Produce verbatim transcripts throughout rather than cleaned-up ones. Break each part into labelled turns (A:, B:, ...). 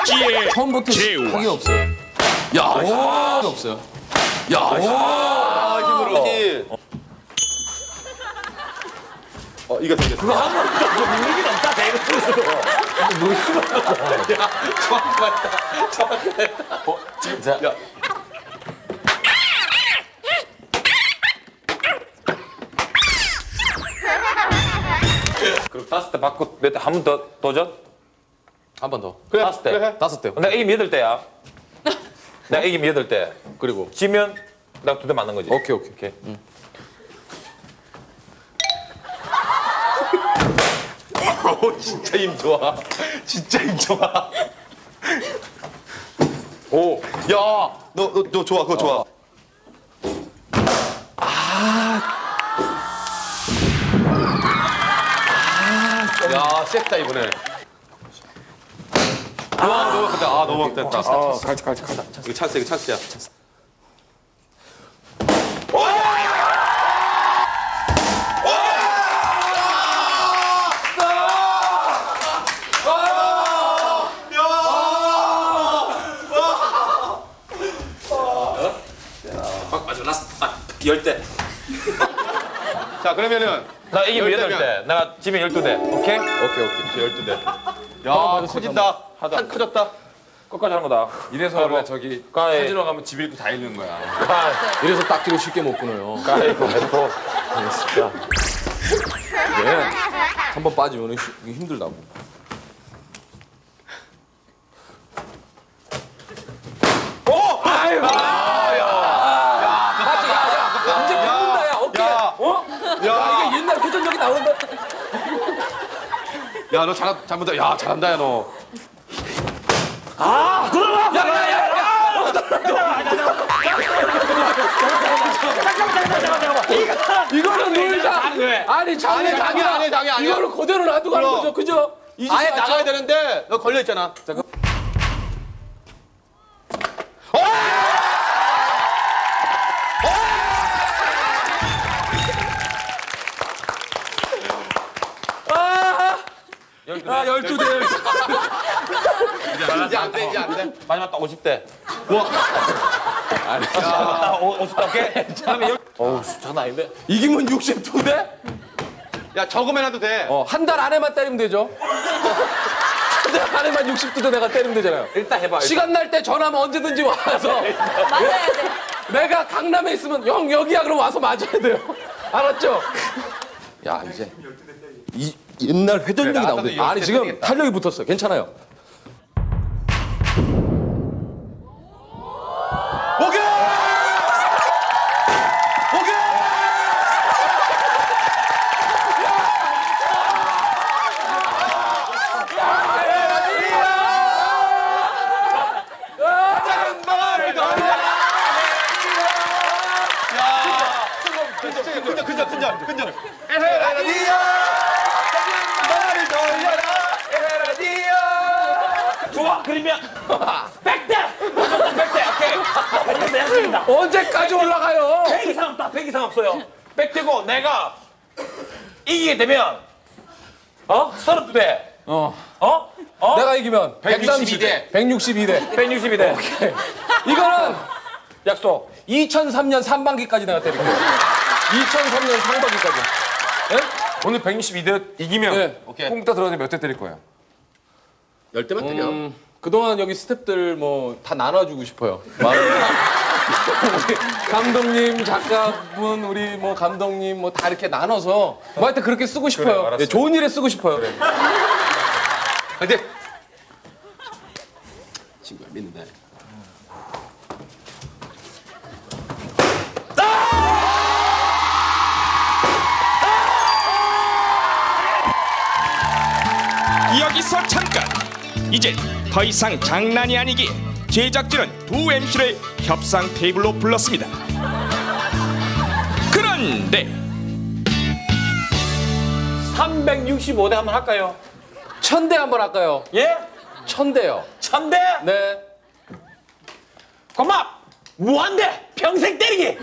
A: 찌의
B: 처음부터
A: 제우.
B: 하기 없어요. 야, 오, 없어요. 야, 오,
C: 힘으로. 어, 이거 되겠다.
D: 그거 한번 능력이 없다 대구로.
C: 정확히 맞다. 정확히 맞다.
B: 어, 진짜. 야.
D: 그럼 다섯 대 받고 몇 대 한 번 더 도전?
B: 한 번 더.
C: 그래,
D: 다섯 대.
C: 그래.
B: 다섯 대.
D: 내가 이기면 여덟 대야. 내가 이기면 여덟 대.
B: 그리고
D: 지면 내가 두 대 맞는 거지.
B: 오케이, 오케이.
D: 오케이.
C: 오, 진짜 힘 좋아. 진짜 힘 좋아. 오, 야, 너, 너, 너 좋아, 그거 좋아. 아, 야, 셌다 이번에. 와, 너무 됐다. 아, 너무 됐다. 아,
B: 갈치, 갈치, 갈치.
C: 이거 찬스, 이거 찬스야.
D: 맞아, 라스트 딱 열 대.
C: 자, 그러면은
D: 나 이기면
C: 열
D: 여덟
C: 대면.
D: 대. 내가 지면 열두 대. 오케이?
B: 오케이, 오케이.
C: 열두 대. 야, 커진다. 한 커졌다.
D: 끝까지 하는 거다.
A: 이래서 원래 저기
D: 까이.
A: 카지노 가면 집 잃고 다 잃는 거야.
D: 까이.
B: 이래서 딱지로 쉽게 못 끊어요.
D: 까이고 해도. 진짜.
B: 네. 한 번 빠지면 힘들다고. 이제 바꾼다, 야. 오케이.
C: 야,
B: 어?
C: 야,
B: 이게 옛날 회전력이 나온다.
C: 야, 너 잘, 잘못다. 야, 잘한다, 야, 너.
B: 이거는 놀자. 아니, 장애,
C: 아니, 장애 아니야, 장애 아니야.
B: 이거를 그대로 놔두고 하는
C: 그럼.
B: 거죠. 그죠? 이
C: 아예
B: 짓이 맞죠?
C: 나가야 되는데 너 걸려 있잖아. 자, 그...
B: 아, 열두 대.
C: 이제 안 돼, 이제 안 돼.
D: 마지막 딱 오십 대.
B: 아니,
D: 아, 오십 대 오케이? 다음에 열. 어우, 장난 아닌데?
B: 이기면 육십이 대?
C: 야, 적으면 해도 돼.
B: 어, 한 달 안에만 때리면 되죠. 한 달 안에만 육십이 대 내가 때리면 되잖아요.
D: 일단 해봐. 일단.
B: 시간 날 때 전화하면 언제든지 와서
E: 맞아야 돼.
B: 내가 강남에 있으면 형 여기야 그럼 와서 맞아야 돼요. 알았죠? 야 이제 이 옛날 회전력이
C: 그래,
B: 나오는데
C: 나한테도
B: 아니 지금
C: 때리겠다.
B: 탄력이 붙었어. 괜찮아요.
C: 오케이! 오케이! 근절, 근절, 근절, 근절. 에헤라디오! 말을 돌려라! 에헤라디오!
D: 좋아, 그러면 백 대! 백 대, 오케이. 백 대 했습니다.
B: 언제까지 올라가요?
D: 백 이상 없다, 백 이상 없어요. 백 대고 내가 이기게 되면 어? 서른두 대.
B: 어.
D: 어? 어?
B: 내가 이기면
C: 백육십이 대.
B: 백육십이 대.
D: 백육십이 대.
B: 이거는
D: 약속.
B: 이천삼 년 상반기까지 내가 때릴게요. 이천삼 년 상반기까지. 예?
A: 오늘 백육십이 대 이기면
B: 네.
C: 오케이.
A: 꽁따 들어가서 몇 대 때릴 거야?
C: 열 대만 때려.
B: 음, 그동안 여기 스태프들 뭐 다 나눠주고 싶어요. 마음. 우리 감독님, 작가분, 우리 뭐 감독님 뭐 다 이렇게 나눠서 뭐 하여튼 그렇게 쓰고 싶어요.
A: 알았어.
B: 예, 좋은 일에 쓰고 싶어요.
C: 근데 친구야 믿는다.
F: 여기서 잠깐. 이제 더 이상 장난이 아니기에 제작진은 두 엠씨를 협상 테이블로 불렀습니다. 그런데
D: 삼백육십오 대 한번 할까요?
B: 천 대 한번 할까요?
D: 예?
B: 천 대요.
D: 천 대?
B: 네.
D: 고마 무한대 평생 때리기.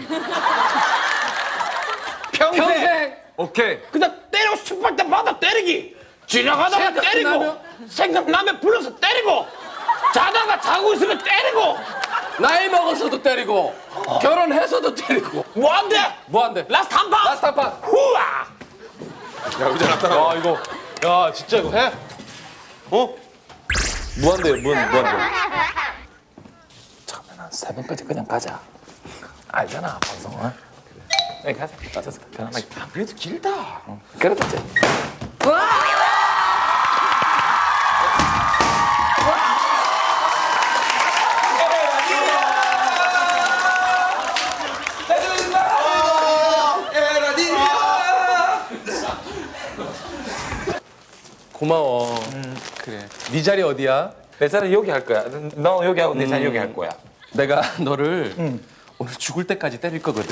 D: 평생.
B: 평생.
A: 오케이.
D: 그냥 때리고 싶을 때마다 때리기. 지나가다가 때리고
B: 생각나면?
D: 생각나면 불러서 때리고 하고 있으면 때리고
B: 나이 먹어서도 때리고 결혼해서도 때리고
D: 뭐 안 돼?
B: 뭐 안 돼?
D: 라스트 한 판.
B: 라스트 한 판.
D: 후아.
A: 야 의자 나타나.
C: 야 이거 야 진짜 이거 해? 어? 무한대요 무한 무한대.
D: 잠깐만 새벽까지 그냥 가자. 알잖아 방송은. 그래 가자. 가자. 편안하게.
C: 그래도 길다.
D: 그래도 이제.
B: 고마워. 그래. 네 자리 어디야?
D: 내 자리 여기 할 거야. 너 여기 하고 내 자리 여기 할 거야.
B: 내가 너를 오늘 죽을 때까지 때릴 거거든.